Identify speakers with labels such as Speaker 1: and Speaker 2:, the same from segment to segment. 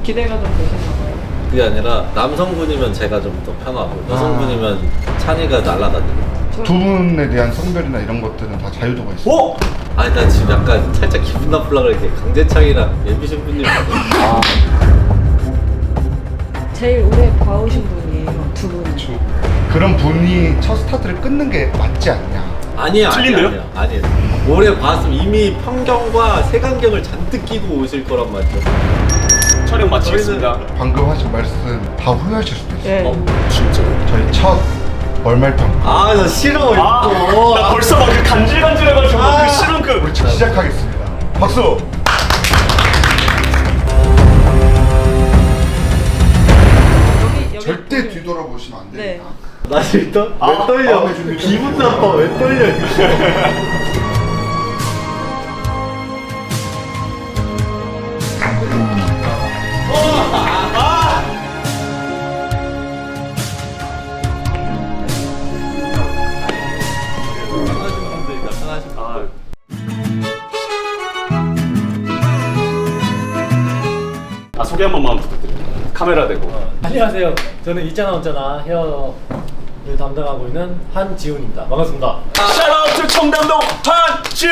Speaker 1: 기대가 좀 되시나봐요.
Speaker 2: 그게 아니라 남성분이면 제가 좀 더 편하고 여성분이면 찬이가 날아다니고.
Speaker 3: 두 분에 대한 성별이나 이런 것들은 다 자유도가 있어요.
Speaker 4: 오!
Speaker 2: 아니 난 지금 약간 살짝 기분 나쁘려고 이렇게 강재창이랑 예비 신부님
Speaker 4: 아,
Speaker 1: 제일 오래 봐오신 분이에요, 두 분이.
Speaker 3: 그런 분이 첫 스타트를 끊는 게 맞지 않냐.
Speaker 2: 아니에요.
Speaker 4: 틀린데요?
Speaker 2: 아니에요. 오래 봤으면 이미 편견과 색안경을 잔뜩 끼고 오실 거란 말이죠.
Speaker 4: 촬영 마치겠습니다.
Speaker 3: 방금 하신 말씀 다 후회하실 수도 있어요.
Speaker 1: 예.
Speaker 4: 진짜요?
Speaker 3: 저희 첫 월말평가
Speaker 2: 아 나 싫어 이거.
Speaker 4: 나 벌써 막 그 간질간질해가지고 그 싫은 그.
Speaker 3: 우리 시작하겠습니다. 박수!
Speaker 1: 여기
Speaker 3: 절대 뒤돌아보시면 안 됩니다.
Speaker 1: 네.
Speaker 2: 나 일단 왜 떨려?
Speaker 3: 마음의 준비.
Speaker 2: 기분 나빠 왜 떨려? 편하신 분들이다 편하신 분들.
Speaker 4: 아, 소개 한 번만 부탁드립니다. 카메라 대고.
Speaker 5: 안녕하세요. 저는 있잖아 없잖아 헤어를 담당하고 있는 한지훈입니다. 반갑습니다.
Speaker 4: 샤라우트 청담동 한지.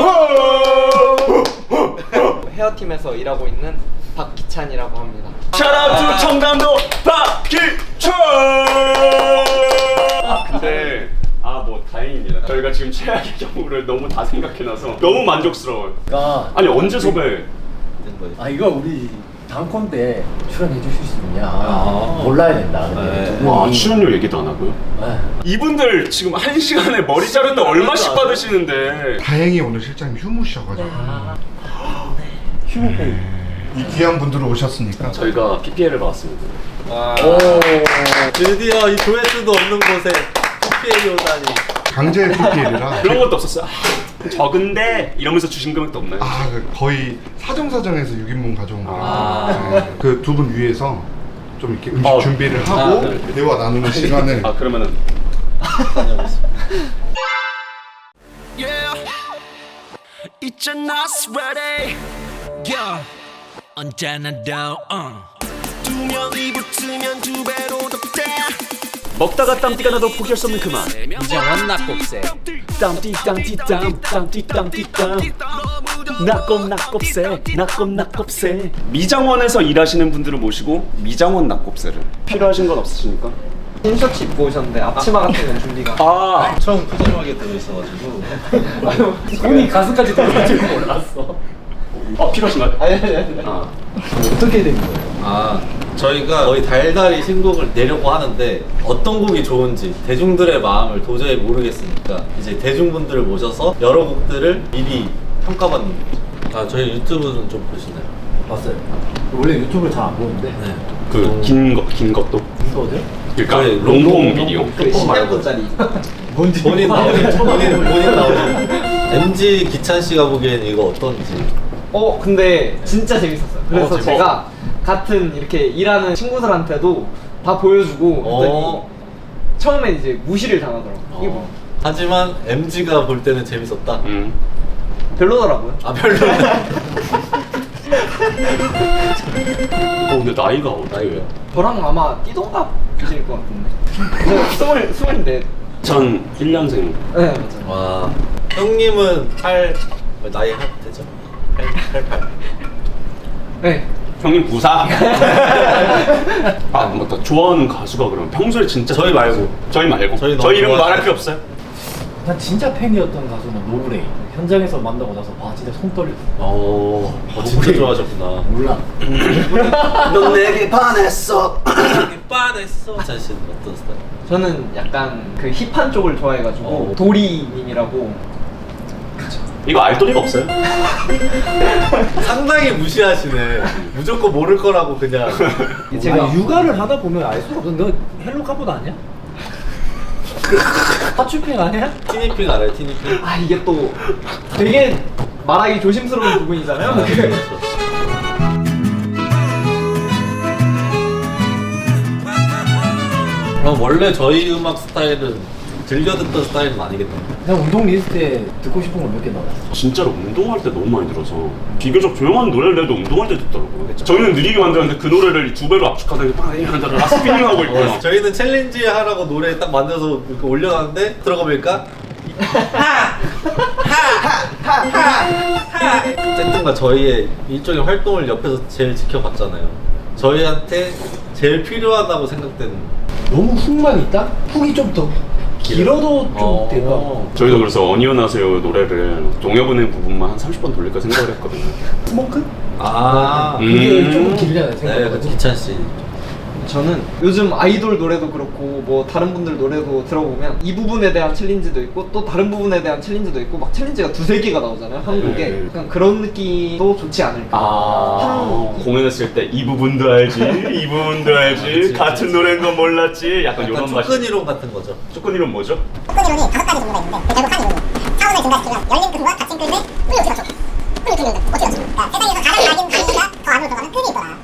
Speaker 6: 헤어팀에서 일하고 있는 박기찬이라고 합니다.
Speaker 4: 샤라우트 청담동 박기철. 근데 뭐 다행입니다. 저희가 지금 최악의 경우를 너무 다 생각해놔서 너무 만족스러워요.
Speaker 5: 그러니까
Speaker 4: 아니 언제 섭외?
Speaker 5: 이거 우리 다음 콘 때 출연해 주실 수 있냐 몰라야 된다. 근데 두 분이
Speaker 4: 와 출연료 얘기도 안 하고요?
Speaker 5: 네.
Speaker 4: 이분들 지금 1시간에 머리 자르는데 얼마씩 받으시는데.
Speaker 3: 다행히 오늘 실장님 휴무셔가지고
Speaker 5: 휴무페이.
Speaker 3: 이 귀한 분들 오셨으니까
Speaker 4: 저희가 PPL을 받았습니다.
Speaker 5: 오.
Speaker 2: 드디어 이 조회수도 없는 곳에 PPL 오다니.
Speaker 3: 강제 PPL이라
Speaker 4: 그런 것도 없었어요. 적은데 이러면서 주신 금액도 없나요?
Speaker 3: 거의 사정사정해서 6인분 가져온 거라 그 두 분 위해서 좀 이렇게 음식 준비를 하고
Speaker 2: 네.
Speaker 3: 대화 나누는 시간을
Speaker 4: 그러면은
Speaker 2: 다녀오겠습니다.
Speaker 7: 있잖아 sweaty yeah 언제나 두 명이 붙으면 두 배로 더돼
Speaker 4: 먹다가 땀띠가 나도 포기할 수 없는 그만.
Speaker 6: 이정원 낙곱새.
Speaker 4: 땀띠땀띠땀 낙곱새 미장원에서 일하시는 분들을 모시고 미장원 낙곱새를 필요하신 건 없으십니까?
Speaker 6: 흰셔츠 입고 오셨는데 앞치마 같은 건 준비가.
Speaker 2: 처음 푸짐하게 들어있어가지고
Speaker 5: 손이 가슴까지 들어갈 줄 몰랐어.
Speaker 4: 필요하신가요?
Speaker 5: 어떻게 된 거예요?
Speaker 2: 저희가 거의 달달이 신곡을 내려고 하는데 어떤 곡이 좋은지 대중들의 마음을 도저히 모르겠으니까 이제 대중분들을 모셔서 여러 곡들을 미리 평가받는 거죠. 저희 유튜브는 좀 보시나요?
Speaker 5: 봤어요. 원래 유튜브를 잘 안 보는데.
Speaker 2: 네.
Speaker 4: 그 긴 것도.
Speaker 5: 이거죠?
Speaker 4: 그러니까
Speaker 2: 저희
Speaker 4: 롱폼 비디오.
Speaker 6: 그 10년도짜리.
Speaker 5: 뭔지
Speaker 2: 본인 나오죠. 본인 나오죠. MG 기찬 씨가 보기엔 이거 어떤지.
Speaker 6: 근데 진짜 재밌었어요. 그래서
Speaker 2: 재밌어?
Speaker 6: 제가 같은 이렇게 일하는 친구들한테도 다 보여주고 그랬더니 처음엔 이제 무시를 당하더라고요. 이게 뭐
Speaker 2: 하지만 MG가 볼 때는 재밌었다.
Speaker 6: 별로더라고요.
Speaker 2: 별로.
Speaker 4: 근데 나이가 어떻게 돼요?
Speaker 6: 저랑 아마 띠동갑이실 것 같은데. 스물넷.
Speaker 4: 전 1년생.
Speaker 6: 네 맞아요.
Speaker 2: 와. 형님은 나이 할 되죠? 88.
Speaker 6: 네.
Speaker 4: 형님 부사. 맞다. 좋아하는 가수가 그러면 평소에 진짜
Speaker 2: 저희 말고.
Speaker 4: 저희 말고.
Speaker 2: 저희 너무
Speaker 4: 저희 이름
Speaker 2: 좋아하시는
Speaker 4: 말할 필요 없어요.
Speaker 5: 난 진짜 팬이었던 가수는 노브레인. 현장에서 만나고 나서 진짜 손 떨렸어.
Speaker 2: 진짜 좋아하셨구나.
Speaker 5: 몰라.
Speaker 4: 넌 내게 반했어.
Speaker 2: 기찬 씨는 어떤 스타일?
Speaker 6: 저는 약간 그 힙한 쪽을 좋아해가지고 도리님이라고.
Speaker 4: 이거 알 도리가 없어요?
Speaker 2: 상당히 무시하시네. 무조건 모를 거라고 그냥.
Speaker 5: 제가 육아를 하다 보면 알 수가 없어. 너 헬로 카보드 아니야? 하츄핑 아니야?
Speaker 2: 티니핑 알아요? 티니핑?
Speaker 6: 이게 또 되게 말하기 조심스러운 부분이잖아요.
Speaker 2: 그럼 원래 저희 음악 스타일은 즐겨 듣던 스타일은 아니겠다.
Speaker 5: 그냥 운동 리스트에 듣고 싶은 거 몇 개 넣어놨어.
Speaker 4: 진짜로 운동할 때 너무 많이 들어서 비교적 조용한 노래를 내도 운동할 때 듣더라고요. 저희는 느리게 만들었는데 그 노래를 2배로 압축하다 이렇게 빵 이러다가 스피닝하고 있고 막.
Speaker 2: 저희는 챌린지 하라고 노래 딱 만들어서 이렇게 올려놨는데 들어가 보니까 어쨌든가 저희의 일종의 활동을 옆에서 제일 지켜봤잖아요. 저희한테 제일 필요하다고 생각되는
Speaker 5: 너무 훅만 있다? 훅이 좀 더 길어도 좀 내가
Speaker 4: 저희도 그래서 어니언 하세요 노래를 동요분의 부분만 한 30번 돌릴까 생각을 했거든요.
Speaker 5: 스모크? 그게 조금 길잖아요
Speaker 2: 네,
Speaker 5: 생각보다.
Speaker 2: 그 기찬 씨.
Speaker 6: 저는 요즘 아이돌 노래도 그렇고 뭐 다른 분들 노래도 들어보면 이 부분에 대한 챌린지도 있고 또 다른 부분에 대한 챌린지도 있고 막 챌린지가 2-3개가 나오잖아요 한국에.
Speaker 4: 네.
Speaker 6: 약간 그런 느낌도 좋지 않을까.
Speaker 4: 공연했을 때 이 부분도 알지 이 부분도 알지
Speaker 2: 그치,
Speaker 4: 같은
Speaker 2: 그치.
Speaker 4: 노래인 건 몰랐지 약간
Speaker 2: 약간
Speaker 4: 이런 맛이.
Speaker 2: 접근 이론 같은 거죠.
Speaker 4: 조건 이름 뭐죠?
Speaker 8: 접근이론이 5가지 종류가 있는데 결국 한 이론이 차원을 증가시키면 열린 끈과 닫힌 끈의 끈이 어떻게 맞춰? 끈이 어떻게 열린다? 어떻게 맞춰? 그러니까 세상에서 가장 얇은 강의가 더 안으로 들어가는 끈이 있더라.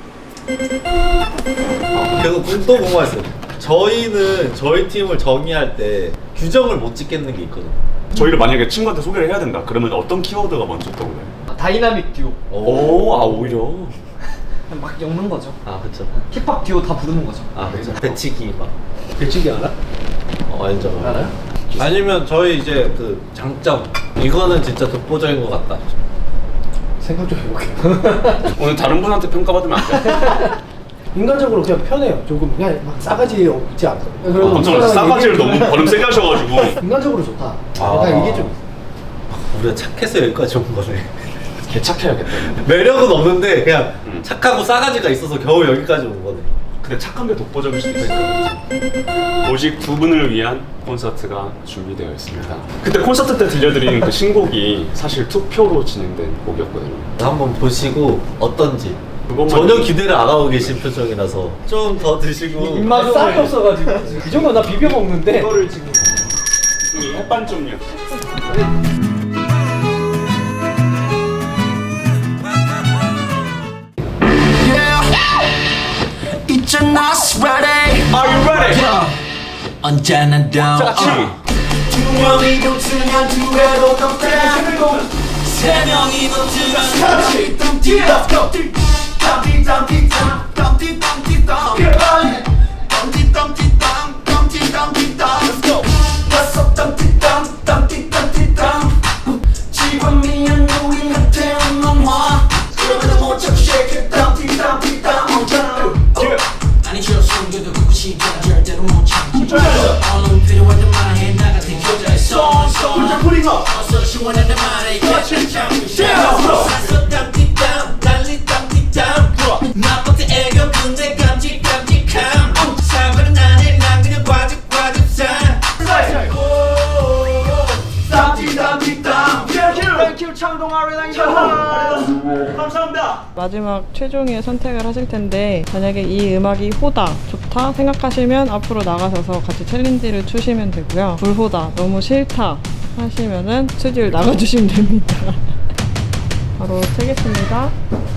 Speaker 2: 그래서 또 궁금했어요. 저희는 저희 팀을 정의할 때 규정을 못 짓겠는 게 있거든요.
Speaker 4: 저희를 만약에 친구한테 소개를 해야 된다 그러면 어떤 키워드가 먼저 떠올라요?
Speaker 6: 다이나믹 듀오.
Speaker 4: 오히려
Speaker 6: 그냥 막 엮는 거죠.
Speaker 2: 아 그쵸.
Speaker 6: 힙합 듀오 다 부르는 거죠.
Speaker 2: 아 그쵸. 배치기 막.
Speaker 5: 배치기 알아?
Speaker 2: 알죠.
Speaker 5: 알아요?
Speaker 2: 아니면 저희 이제 그 장점 이거는 진짜 독보적인 것 같다.
Speaker 5: 생각 좀 해볼게요.
Speaker 4: 오늘 다른 분한테 평가받으면 안 돼?
Speaker 5: 인간적으로 그냥 편해요. 조금 그냥 막 싸가지 없지 않고.
Speaker 4: 깜짝 놀랐어. 싸가지를 너무 발음 세게 하셔가지고
Speaker 5: 인간적으로 좋다. 약간 이게 좀
Speaker 2: 우리가 착해서 여기까지 온 거네.
Speaker 4: 개착해야겠다.
Speaker 2: 매력은 없는데 그냥 착하고 싸가지가 있어서 겨우 여기까지 온 거네.
Speaker 4: 근데 착한 게 독보적일 수도 있으니까. 오직 두 분을 위한 콘서트가 준비되어 있습니다. 그때 콘서트 때 들려드린 그 신곡이 사실 투표로 진행된 곡이었거든요.
Speaker 2: 한번 보시고 어떤지.
Speaker 4: 그것만
Speaker 2: 전혀 기대를 안 하고 계신 표정이라서 좀 더 드시고.
Speaker 5: 입맛이 싹이 없어가지고 이 정도 나 비벼 먹는데
Speaker 6: 이거를 지금
Speaker 4: 햇반 좀요.
Speaker 7: 있잖아 ready
Speaker 4: Are you ready?
Speaker 7: 언제나 down 두 명이 붙으면 두 배로 더 세 명이 붙으면 아니 저 숨겨도 그고 싶지 절대로 못 참지 얼른 필요할 때만 해 나 같은 여자의 어서 시원하단 말에 같이 참고 싶어 땀띠땀 난리 땀띠땀 나쁜 때 애교 근데 깜찍깜찍함 사과는 나네 난 그냥 과즙사
Speaker 1: 마지막 최종의 선택을 하실 텐데 만약에 이 음악이 호다, 좋다 생각하시면 앞으로 나가셔서 같이 챌린지를 추시면 되고요. 불호다, 너무 싫다 하시면은 스튜디오를 나가주시면 됩니다. 바로 채겠습니다.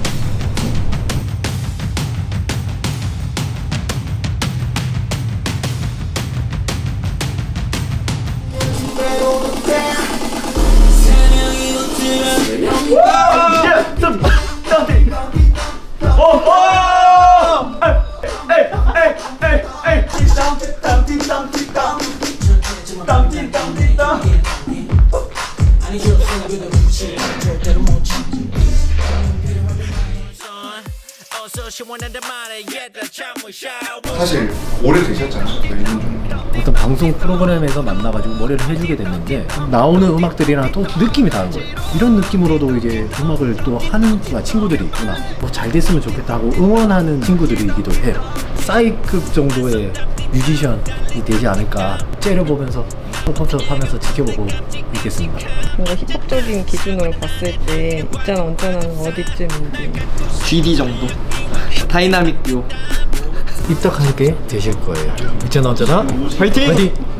Speaker 7: 아니 저 숨겨도 그고 싶지 절대로 못 참지 어서 시원하단 말에 얘들아 참고 샤워
Speaker 3: 사실 오래 되셨잖아요. 저희는 좀
Speaker 5: 어떤 방송 프로그램에서 만나가지고 머리를 해주게 됐는데 나오는 음악들이랑 또 느낌이 다른 거예요. 이런 느낌으로도 이제 음악을 또 하는 친구들이 있구나. 뭐 잘 됐으면 좋겠다 하고 응원하는 친구들이기도 해요. 싸이급 정도의 뮤지션이 되지 않을까 째려보면서 섭섭하면서 지켜보고 있겠습니다.
Speaker 1: 뭔가 힙합적인 기준으로 봤을 때 있잖아 언짢아는 어디쯤인지.
Speaker 6: GD 정도. 다이나믹 듀오.
Speaker 5: 입덕하게 되실 거예요. 있잖아 언제나
Speaker 6: 화이팅!
Speaker 5: 화이팅!